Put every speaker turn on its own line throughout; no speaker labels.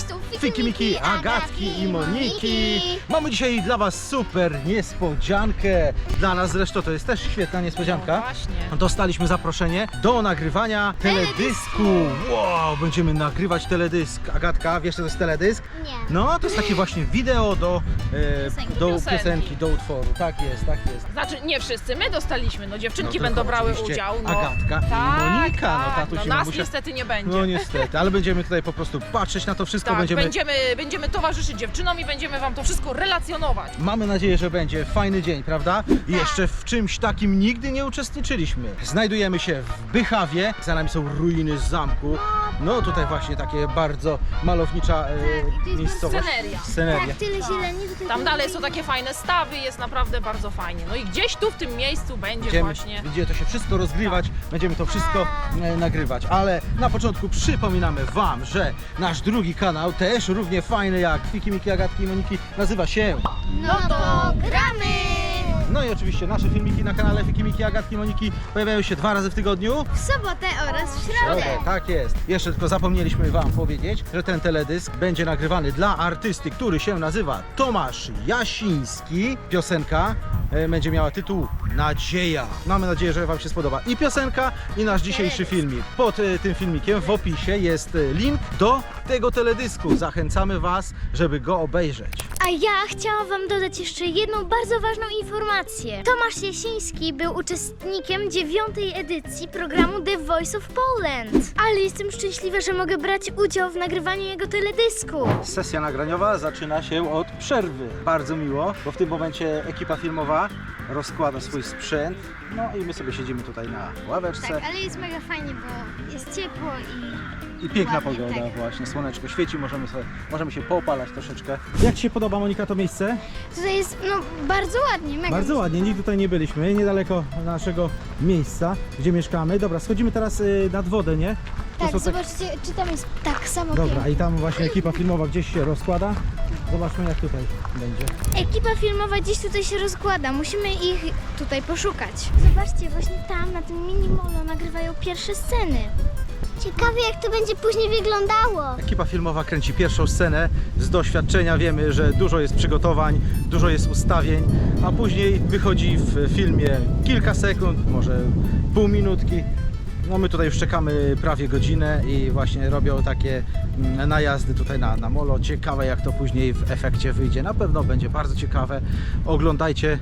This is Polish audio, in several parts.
tu
Fiki Miki, Agatki i Moniki. Mamy dzisiaj dla was super niespodziankę. Dla nas zresztą to jest też świetna niespodzianka.
No właśnie.
Dostaliśmy zaproszenie do nagrywania teledysku. Wow, będziemy nagrywać teledysk. Agatka, wiesz co to jest teledysk?
Nie.
No, to jest takie właśnie wideo do
Piosenki.
piosenki, do utworu. Tak jest, tak jest.
Znaczy nie wszyscy, my dostaliśmy, no dziewczynki
No,
będą
tylko
brały
oczywiście
udział. No.
Agatka i
Tak,
Monika. No,
tak,
tatuś i
nas
mamusia.
niestety nie będzie.
No niestety, ale będziemy tutaj po prostu patrzeć na to wszystko.
Tak,
będziemy...
będziemy towarzyszyć dziewczynom i będziemy wam to wszystko relacjonować.
Mamy nadzieję, że będzie fajny dzień, prawda? I jeszcze w czymś takim nigdy nie uczestniczyliśmy. Znajdujemy się w Bychawie, za nami są ruiny zamku. No tutaj właśnie takie bardzo malownicza
i to jest
miejscowość.
sceneria.
Tak, tyle zieleni. Tutaj
Tam dalej są takie fajne stawy, jest naprawdę bardzo fajnie. No i gdzieś tu w tym miejscu będzie właśnie...
Będzie to się wszystko rozgrywać, będziemy to wszystko nagrywać. Ale na początku przypominamy wam, że nasz drugi kanał, też równie fajny jak Fiki Miki, Agatki i Moniki, nazywa się...
No to gramy!
No i oczywiście nasze filmiki na kanale Fiki Miki, Agatki i Moniki pojawiają się 2 razy w tygodniu.
W sobotę oraz w środę.
Tak jest. Jeszcze tylko zapomnieliśmy wam powiedzieć, że ten teledysk będzie nagrywany dla artysty, który się nazywa Tomasz Jasiński. Piosenka będzie miała tytuł Nadzieja. Mamy nadzieję, że wam się spodoba i piosenka, i nasz dzisiejszy filmik. Pod tym filmikiem w opisie jest link do tego teledysku. Zachęcamy was, żeby go obejrzeć.
A ja chciałam wam dodać jeszcze jedną bardzo ważną informację. Tomasz Jasiński był uczestnikiem 9. edycji programu The Voice of Poland. Ale jestem szczęśliwa, że mogę brać udział w nagrywaniu jego teledysku.
Sesja nagraniowa zaczyna się od przerwy. Bardzo miło, bo w tym momencie ekipa filmowa rozkłada swój sprzęt. No i my sobie siedzimy tutaj na ławeczce.
Tak, ale jest mega fajnie, bo jest ciepło
I piękna
ładnie,
pogoda
tak.
właśnie, słoneczko świeci, możemy się poopalać troszeczkę. Jak Ci się podoba, Monika, to miejsce?
tutaj jest bardzo ładnie, mega.
Bardzo ładnie, nigdy tutaj nie byliśmy, niedaleko naszego miejsca, gdzie mieszkamy. Dobra, schodzimy teraz nad wodę, nie? To
Tak,
są
zobaczcie, czy tam jest tak samo
Dobra,
pięknie.
i tam właśnie ekipa filmowa gdzieś się rozkłada. Zobaczmy, jak tutaj będzie.
Ekipa filmowa gdzieś tutaj się rozkłada, musimy ich tutaj poszukać. Zobaczcie, właśnie tam na tym mini molo nagrywają pierwsze sceny. Ciekawe, jak to będzie później wyglądało.
Ekipa filmowa kręci pierwszą scenę. Z doświadczenia wiemy, że dużo jest przygotowań, dużo jest ustawień, a później wychodzi w filmie kilka sekund, może pół minutki. No my tutaj już czekamy prawie godzinę i właśnie robią takie najazdy tutaj na molo. Ciekawe, jak to później w efekcie wyjdzie. Na pewno będzie bardzo ciekawe. Oglądajcie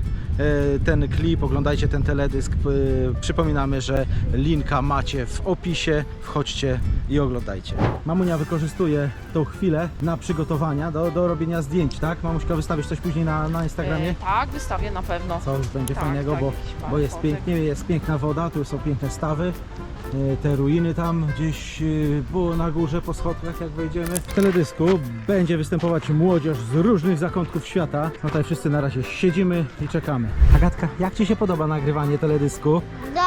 ten klip, oglądajcie ten teledysk. Przypominamy, że linka macie w opisie. Wchodźcie i oglądajcie. Mamunia wykorzystuje tą chwilę na przygotowania do robienia zdjęć, tak? Mamuśka, wystawisz coś później na Instagramie?
Tak, wystawię na pewno.
Co już będzie
Tak,
fajnego,
tak,
bo,
jakiś
bo jest
fotek.
pięknie, jest piękna woda, tu są piękne stawy. Te ruiny tam gdzieś było na górze po schodkach, jak wejdziemy. W teledysku będzie występować młodzież z różnych zakątków świata. No tutaj wszyscy na razie siedzimy i czekamy. Agatka, jak Ci się podoba nagrywanie teledysku?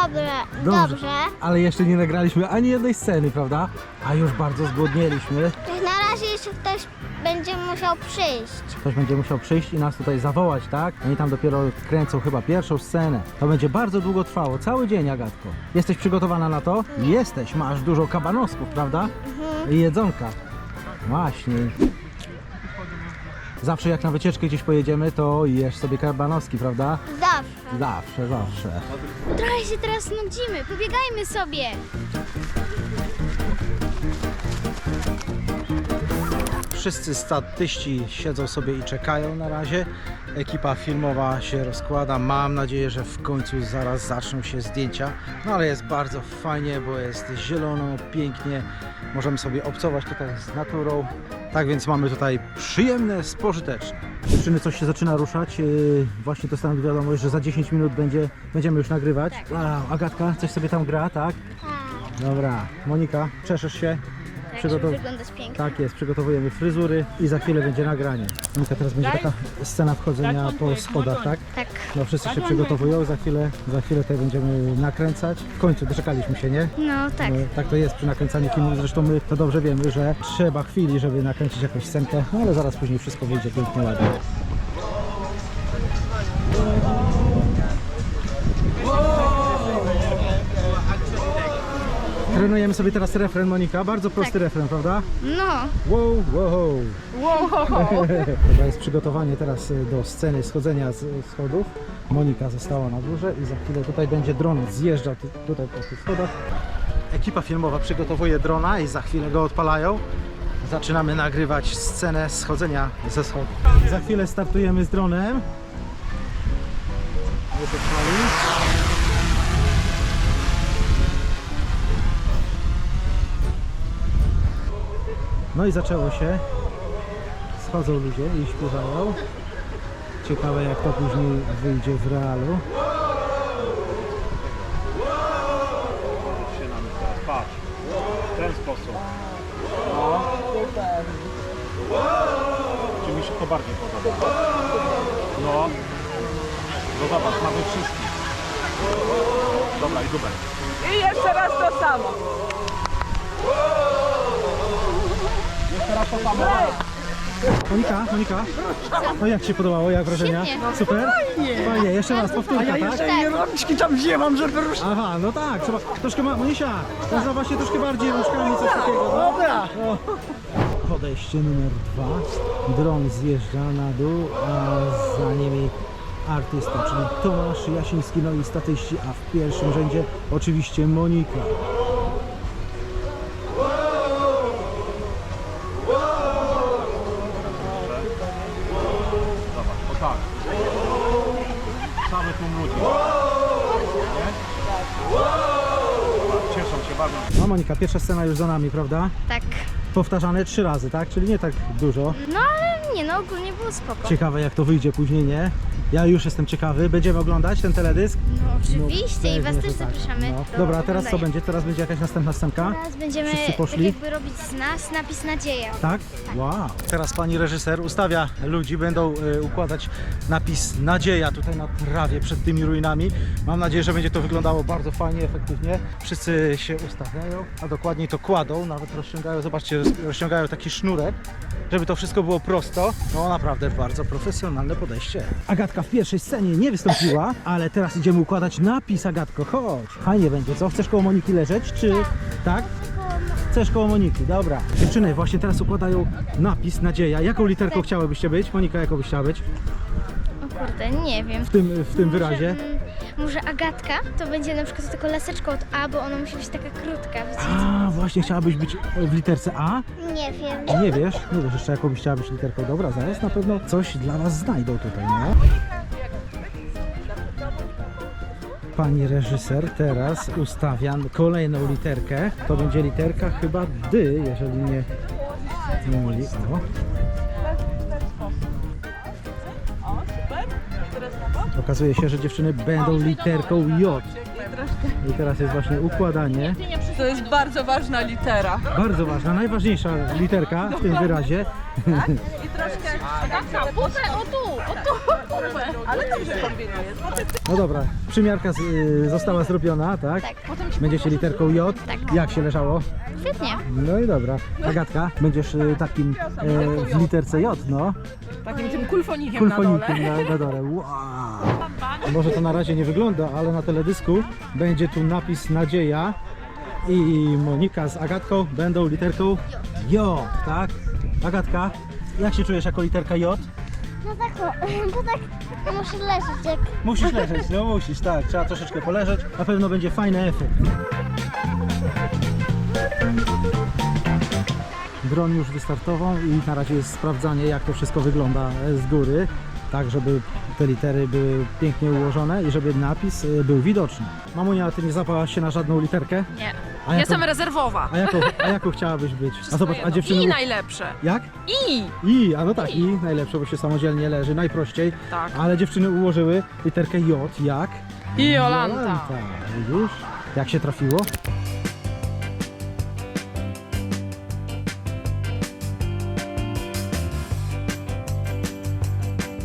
Dobrze.
Ale jeszcze nie nagraliśmy ani jednej sceny, prawda? A już bardzo zgłodnieliśmy.
Na razie jeszcze ktoś będzie musiał przyjść.
Ktoś będzie musiał przyjść i nas tutaj zawołać, tak? Oni tam dopiero kręcą chyba pierwszą scenę. To będzie bardzo długo trwało, cały dzień, Agatko. Jesteś przygotowana na to? Jesteś, masz dużo kabanosków, prawda? I jedzonka. Właśnie. Zawsze jak na wycieczkę gdzieś pojedziemy, to jesz sobie kabanoski, prawda?
Zawsze.
Zawsze, zawsze.
Trochę się teraz nudzimy, pobiegajmy sobie.
Wszyscy statyści siedzą sobie i czekają na razie. Ekipa filmowa się rozkłada. Mam nadzieję, że w końcu zaraz zaczną się zdjęcia. No ale jest bardzo fajnie, bo jest zielono, pięknie. Możemy sobie obcować tutaj z naturą. Tak więc mamy tutaj przyjemne, spożyteczne. Dziewczyny, coś się zaczyna ruszać. Właśnie dostałem wiadomość, że za 10 minut będziemy już nagrywać. Wow, Agatka, coś sobie tam gra, tak? Dobra. Monika, czeszesz się?
Tak, żeby wyglądać pięknie.
Tak jest, przygotowujemy fryzury i za chwilę będzie nagranie. Monika, teraz będzie taka scena wchodzenia po schodach, tak?
Tak.
No wszyscy się przygotowują, za chwilę tutaj będziemy nakręcać. W końcu doczekaliśmy się, nie?
No tak.
No, tak to jest przy nakręcaniu filmów, zresztą my to dobrze wiemy, że trzeba chwili, żeby nakręcić jakąś scenkę, no ale zaraz później wszystko wyjdzie pięknie, ładnie. Trenujemy sobie teraz refren, Monika. Bardzo prosty refren, prawda?
No.
Wow, wow.
Wow.
To jest przygotowanie teraz do sceny schodzenia z schodów. Monika została na górze i za chwilę tutaj będzie dron zjeżdżał tutaj po tych schodach. Ekipa filmowa przygotowuje drona i za chwilę go odpalają. Zaczynamy nagrywać scenę schodzenia ze schodów. Za chwilę startujemy z dronem. No i zaczęło się. Schodzą ludzie i śpiewają. Ciekawe jak to później wyjdzie w realu.
Patrz, w ten sposób. No. Czy mi się to bardziej podoba? No. No zobacz, mamy wszystkich. Dobra, i dubel.
I jeszcze raz to samo.
Jeszcze raz to samo.
Monika, no jak Ci się podobało, jak wrażenia?
Świetnie.
Super? Fajnie, jeszcze raz, powtórka, tak?
I rączki tam wzięłam, żeby ruszyć.
Aha, no tak, trzeba troszkę, Monisia, można właśnie troszkę bardziej rączkami, coś takiego. No.
Dobra.
O. Podejście numer 2, dron zjeżdża na dół, a za nimi artysta, czyli Tomasz Jasiński, no i statyści, a w pierwszym rzędzie oczywiście Monika.
Zobacz, o tak. Cały tłum ludzi. Nie? Cieszą się, bawią się.
No Monika, pierwsza scena już za nami, prawda?
Tak.
Powtarzane 3 razy, tak? Czyli nie tak dużo.
No ale nie, no ogólnie było spoko.
Ciekawe jak to wyjdzie później, nie? Ja już jestem ciekawy. Będziemy oglądać ten teledysk?
No oczywiście i was
pewnie,
też
że tak.
zapraszamy.
No.
do
Dobra, a teraz co
oglądania.
będzie? Teraz będzie jakaś następna scenka?
Teraz będziemy
Wszyscy
tak
poszli?
jakby robić z nas napis nadzieja.
Tak? Wow. Teraz pani reżyser ustawia ludzi, będą układać napis nadzieja tutaj na trawie przed tymi ruinami. Mam nadzieję, że będzie to wyglądało bardzo fajnie, efektywnie. Wszyscy się ustawiają, a dokładniej to kładą, nawet rozciągają, zobaczcie, rozciągają taki sznurek, żeby to wszystko było prosto. No naprawdę bardzo profesjonalne podejście. Agatka w pierwszej scenie nie wystąpiła, ale teraz idziemy układać napis. Agatko, chodź. Fajnie będzie, co? Chcesz koło Moniki leżeć, czy... Tak? Chcesz koło Moniki, dobra. Dziewczyny właśnie teraz układają napis nadzieja. Jaką literką chciałybyście być? Monika, jaką byś chciała być
O kurde, nie wiem.
w tym wyrazie?
Może Agatka to będzie na przykład taką laseczką od A, bo ona musi być taka krótka. Wiecie?
A, właśnie chciałabyś być w literce A?
Nie wiem.
Nie wiesz jeszcze jaką byś chciała być literką. Dobra, zaraz na pewno coś dla was znajdą tutaj, no. Pani reżyser teraz ustawia kolejną literkę. To będzie literka chyba D, jeżeli nie myli. O.
O, super. I teraz na bok.
Okazuje się, że dziewczyny będą literką J. I teraz jest właśnie układanie.
To jest bardzo ważna litera.
Bardzo ważna, najważniejsza literka w tym wyrazie.
I troszkę...
Taka, butę, o tu.
Ale dobrze kombinujesz.
No dobra, przymiarka została zrobiona, tak?
Tak.
Będziecie literką J.
Tak.
Jak się leżało?
Świetnie.
No i dobra. Agatka, będziesz takim w literce J, no.
Takim tym kulfonikiem na dole.
Kulfonikiem na dole. Wow. Może to na razie nie wygląda, ale na teledysku będzie tu napis nadzieja i Monika z Agatką będą literką J, tak? Agatka, jak się czujesz jako literka J?
No tak, bo tak muszę leżeć jak...
Musisz leżeć, no musisz, tak. Trzeba troszeczkę poleżeć. Na pewno będzie fajny efekt. Dron już wystartował i na razie jest sprawdzanie, jak to wszystko wygląda z góry, tak żeby te litery były pięknie ułożone i żeby napis był widoczny. Mamunia, ty nie zapałaś się na żadną literkę?
Nie.
A jaką,
Jestem rezerwowa.
a jaką chciałabyś być? A zobacz, a
Jedno.
dziewczyny...
I najlepsze.
Jak?
I.
A no tak, i najlepsze, bo się samodzielnie leży, najprościej.
Tak.
Ale dziewczyny ułożyły literkę J, jak?
I Jolanta.
Jolanta, widzisz? Jak się trafiło?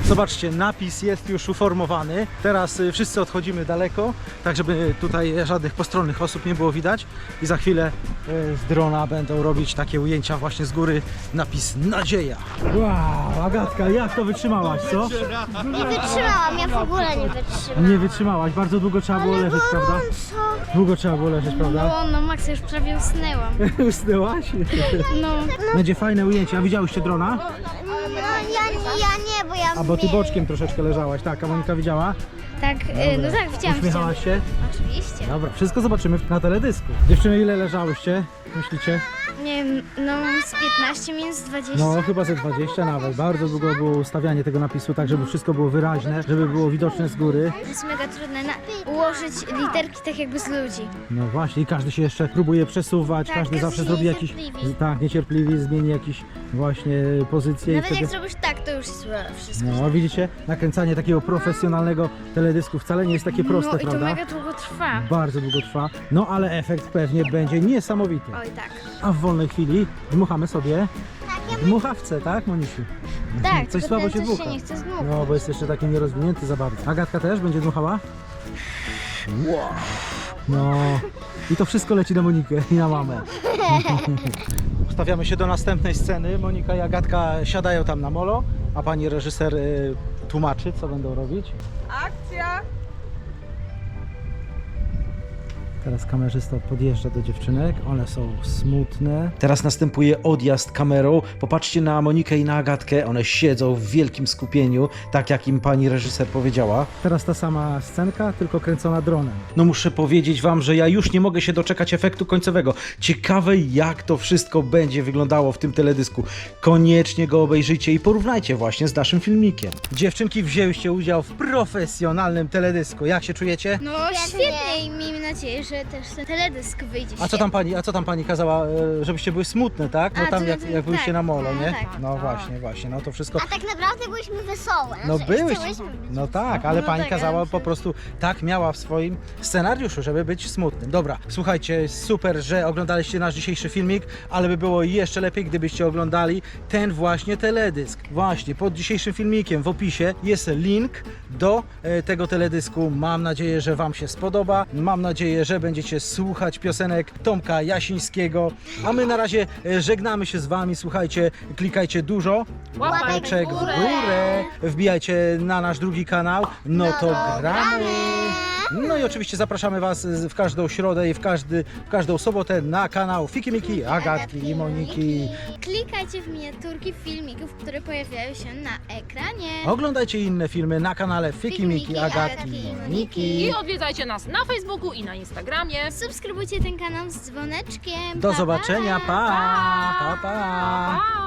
Zobaczcie, napis jest już uformowany. Teraz wszyscy odchodzimy daleko, tak żeby tutaj żadnych postronnych osób nie było widać. I za chwilę z drona będą robić takie ujęcia właśnie z góry. Napis Nadzieja. Wow, Agatka, jak to wytrzymałaś, co?
Nie wytrzymałam, ja w ogóle nie wytrzymałam.
Nie wytrzymałaś, bardzo długo trzeba było leżeć, prawda? Długo trzeba było leżeć, prawda?
No, Max, już prawie usnęłam.
Usnęłaś?
No,
Będzie fajne ujęcie. A widziałyście drona?
ja nie, bo ja
A bo ty boczkiem troszeczkę leżałaś, tak, a Monika widziała?
Tak, no tak, widziałam.
Uśmiechałaś się?
Oczywiście.
Dobra, wszystko zobaczymy na teledysku. Dziewczyny, ile leżałyście? Myślicie?
Nie wiem, no z 15 minus 20.
No, chyba ze 20 nawet. Bardzo długo było ustawianie tego napisu, tak żeby wszystko było wyraźne, żeby było widoczne z góry.
To jest mega trudne ułożyć literki tak jakby z ludzi.
No właśnie, i każdy się jeszcze próbuje przesuwać,
Tak,
każdy
każdy
zawsze
się
zrobi jakiś...
niecierpliwi.
Tak, niecierpliwi, zmieni jakiś właśnie pozycję i
Nawet
wtedy...
jak zrobisz tak, to już jest wszystko.
No, widzicie? Nakręcanie takiego profesjonalnego teledysku wcale nie jest takie proste,
No i to
prawda?
mega długo trwa.
Bardzo długo trwa, no ale efekt pewnie będzie niesamowity.
Oj tak.
A w wolnej chwili dmuchamy sobie dmuchawce, tak, Monisiu?
Tak,
Coś
tylko
słabo
ten
się
coś
dmucha.
się nie chce zdmuchać.
No, bo jest jeszcze taki nierozwinięty za bardzo. Agatka też będzie dmuchała? Wow. No, i to wszystko leci na Monikę i na mamę. Ustawiamy się do następnej sceny. Monika i Agatka siadają tam na molo, a pani reżyser tłumaczy, co będą robić.
Akcja!
Teraz kamerzysta podjeżdża do dziewczynek, one są smutne. Teraz następuje odjazd kamerą. Popatrzcie na Monikę i na Agatkę, one siedzą w wielkim skupieniu, tak jak im pani reżyser powiedziała. Teraz ta sama scenka, tylko kręcona dronem. No muszę powiedzieć wam, że ja już nie mogę się doczekać efektu końcowego. Ciekawe jak to wszystko będzie wyglądało w tym teledysku. Koniecznie go obejrzyjcie i porównajcie właśnie z naszym filmikiem. Dziewczynki, wzięłyście udział w profesjonalnym teledysku. Jak się czujecie?
No świetnie i miejmy nadzieję, że też ten teledysk wyjdzie
A co tam pani kazała, żebyście były smutne, tak? No
A,
tam
to
jak,
no,
jak byliście
tak.
na molo,
No,
nie?
tak.
No właśnie, no to wszystko.
A tak naprawdę byliśmy wesołe.
No byłyście.
Chciałyśmy być
No
wesołe.
tak, ale
No
pani
tak,
kazała
ale
po prostu, tak miała w swoim scenariuszu, żeby być smutnym. Dobra, słuchajcie, super, że oglądaliście nasz dzisiejszy filmik, ale by było jeszcze lepiej, gdybyście oglądali ten właśnie teledysk. Właśnie, pod dzisiejszym filmikiem w opisie jest link do tego teledysku. Mam nadzieję, że wam się spodoba. Mam nadzieję, że będziecie słuchać piosenek Tomka Jasińskiego. A my na razie żegnamy się z wami. Słuchajcie, klikajcie dużo łapeczek w górę. Wbijajcie na nasz drugi kanał. No to gramy. No i oczywiście zapraszamy was w każdą środę i w każdą sobotę na kanał Fiki Miki, Agatki i Moniki.
Klikajcie w miniaturki filmików, które pojawiają się na ekranie.
Oglądajcie inne filmy na kanale Fiki Miki, Agatki i Moniki.
I odwiedzajcie nas na Facebooku i na Instagramie.
Subskrybujcie ten kanał z dzwoneczkiem.
Do
Pa, pa.
zobaczenia, pa, pa, pa.
Pa!